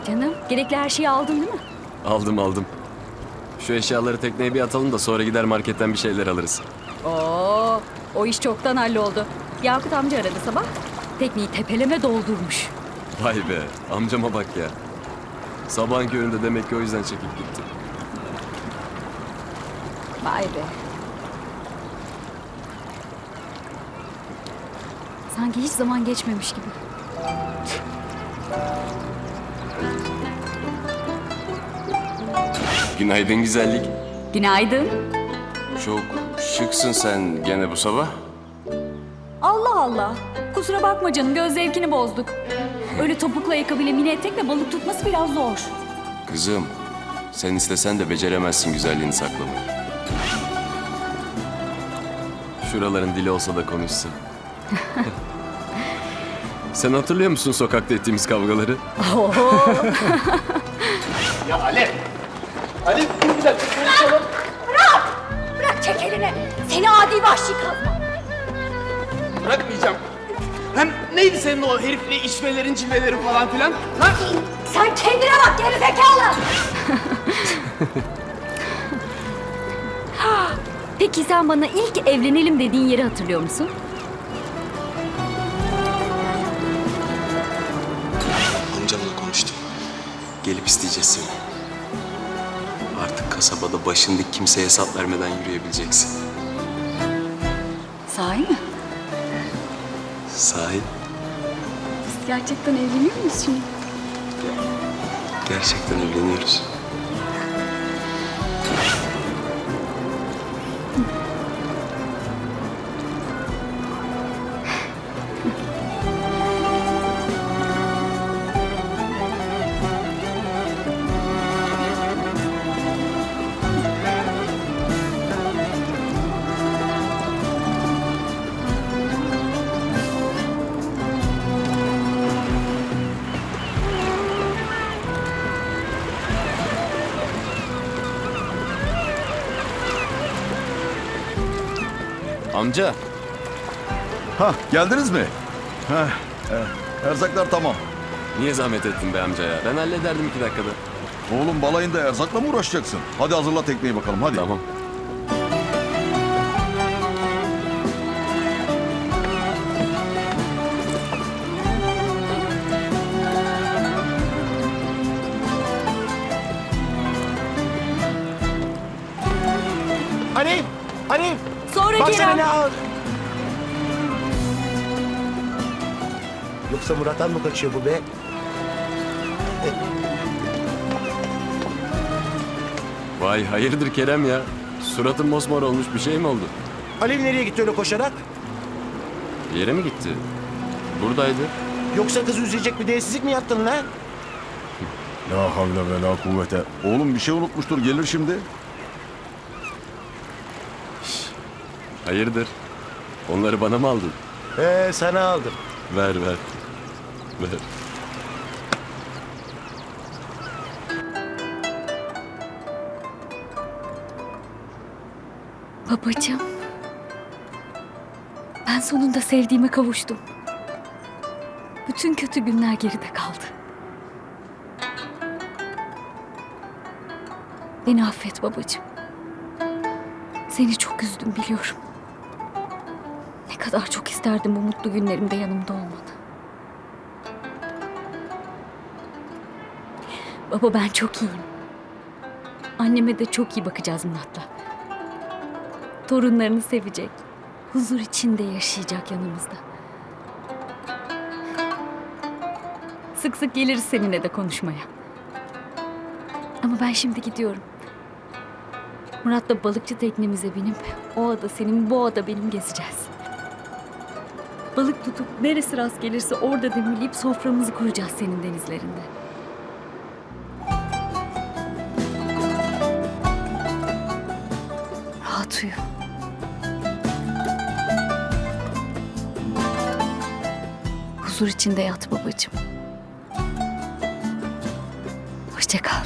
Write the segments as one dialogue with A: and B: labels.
A: Canım, gerekli her şeyi aldın değil mi?
B: Aldım. Şu eşyaları tekneye bir atalım da sonra gider marketten bir şeyler alırız.
A: Oo, o iş çoktan halloldu. Yakut amca aradı sabah. Tekneyi tepeleme doldurmuş.
B: Vay be, amcama bak ya. Sabahın köründe demek ki o yüzden çekip gitti.
A: Vay be. Sanki hiç zaman geçmemiş gibi.
B: Günaydın güzellik.
A: Günaydın.
B: Çok şıksın sen gene bu sabah.
A: Allah Allah. Kusura bakma canım, göz zevkini bozduk. Öyle topuklu ayakkabıyla mini etekle balık tutması biraz zor.
B: Kızım, sen istesen de beceremezsin güzelliğini saklamayı. Şuraların dili olsa da konuşsun. Sen hatırlıyor musun sokakta ettiğimiz kavgaları?
C: Ya Alev! Alev dur bir dakika konuşalım.
A: Bırak çek elini. Seni adi vahşi kazma.
C: Bırakmayacağım. Hem neydi senin o herifle içmelerin cilvelerin falan filan? Ha?
A: Sen kendine bak gerizekalı. Peki sen bana ilk evlenelim dediğin yeri hatırlıyor musun?
B: Amcamla konuştum. Gelip isteyeceğiz seni. Artık kasabada başın dik kimseye hesap vermeden yürüyebileceksin.
A: Sahi mi?
B: Sahi
A: Biz gerçekten evleniyor muyuz şimdi?
B: gerçekten evleniyoruz. Amca,
D: Ha, geldiniz mi? Erzaklar tamam.
B: niye zahmet ettin be amca ya? Ben hallederdim 2 dakikada.
D: Oğlum balayında erzakla mı uğraşacaksın? Hadi hazırla tekneyi bakalım hadi.
B: Tamam.
C: Alev! Alev!
A: Sonra
C: Bak sana
A: Kerem.
C: ne ağır. Yoksa Murat'tan mı kaçıyor bu be?
B: Vay hayırdır Kerem ya? Suratın mosmor olmuş, bir şey mi oldu?
C: Alev nereye gitti öyle koşarak?
B: Bir yere mi gitti? Buradaydı.
C: Yoksa kızı üzecek bir değersizlik mi yaptın lan?
D: La havle ve la kuvvete. Oğlum bir şey unutmuştur gelir şimdi.
B: Hayırdır? Onları bana mı aldın?
C: Sana aldım.
B: Ver. Ver.
A: Babacığım. Ben sonunda sevdiğime kavuştum. Bütün kötü günler geride kaldı. Beni affet babacığım. Seni çok üzdüm biliyorum. Ne kadar çok isterdim bu mutlu günlerimde yanımda olmanı. Baba ben çok iyiyim. Anneme de çok iyi bakacağız Murat'la. Torunlarını sevecek. Huzur içinde yaşayacak yanımızda. Sık sık geliriz seninle de konuşmaya. Ama ben şimdi gidiyorum. Murat'la balıkçı teknemize binip o ada senin, bu ada benim gezeceğiz. Balık tutup neresi rast gelirse orada demirleyip soframızı kuracağız senin denizlerinde. Rahat uyu. Huzur içinde yat babacığım. Hoşça kal.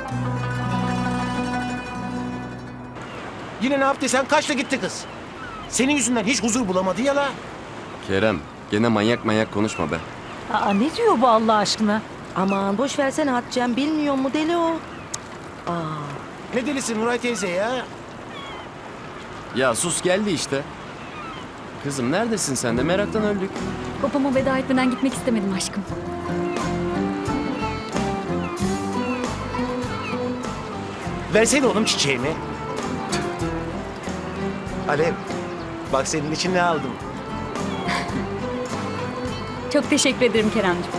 C: Yine ne yaptıysan kaçta gitti kız?
E: Senin yüzünden hiç huzur bulamadı ya la.
B: Kerem, gene manyak manyak konuşma be.
F: Aa, ne diyor bu Allah aşkına?
G: Aman boş versene Hatice'm, bilmiyor mu deli o.
E: Ne delisi Nuray teyze ya?
B: Ya sus geldi işte. Kızım neredesin sen de? Meraktan öldük.
A: Babama veda etmeden gitmek istemedim aşkım.
E: Versene oğlum çiçeğimi. Alev, bak senin için ne aldım.
A: Çok teşekkür ederim Keremciğim.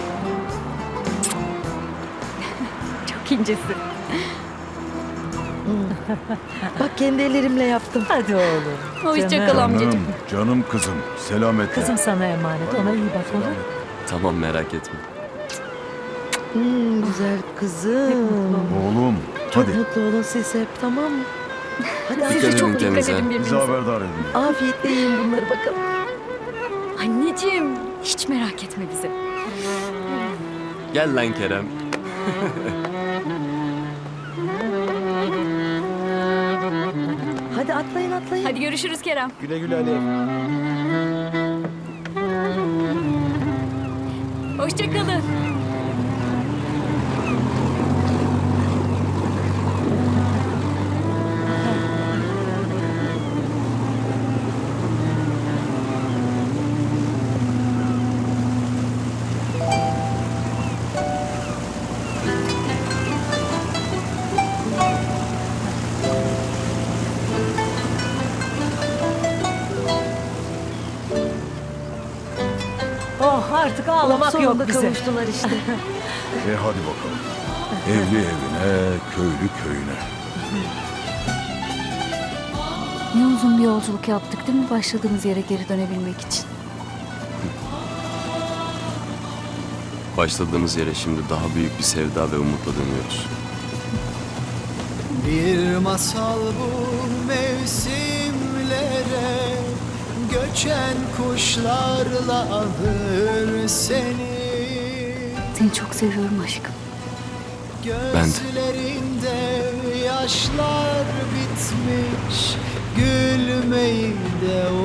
A: Çok incesin.
G: Bak kendi ellerimle yaptım.
F: Hadi oğlum.
A: Hoşça
F: Canım.
A: kal amcacığım.
D: Canım kızım. Selametle.
F: Kızım sana emanet. Ona iyi bak olur.
B: Tamam merak etme.
G: Güzel kızım.
D: Oğlum
G: Çok
D: hadi
G: mutlu olun siz hep, tamam mı? Hadi
A: Siz
B: Dikkat
A: de
B: edin
A: çok dikkat
B: kendinize.
A: edin
D: bizi
A: birbirinize.
D: haberdar edin.
G: afiyetle yiyin bunları bakalım.
A: Anneciğim hiç merak etme bizi.
B: Gel lan Kerem.
G: Hadi atlayın atlayın.
A: Hadi görüşürüz Kerem.
E: Güle güle Alev.
A: Hoşça kalın.
F: Oh artık ağlamak
G: Sonunda
F: yok bize.
G: kavuştular işte.
D: Hadi bakalım. Evli evine, köylü köyüne.
A: Ne uzun bir yolculuk yaptık değil mi başladığımız yere geri dönebilmek için?
B: Başladığımız yere şimdi daha büyük bir sevda ve umutla dönüyoruz.
H: Bir masal bu mevsimlere, göçen kuşlarla alır seni.
A: Seni çok seviyorum aşkım.
H: Gözlerinde yaşlar bitmiş, gülmeyi de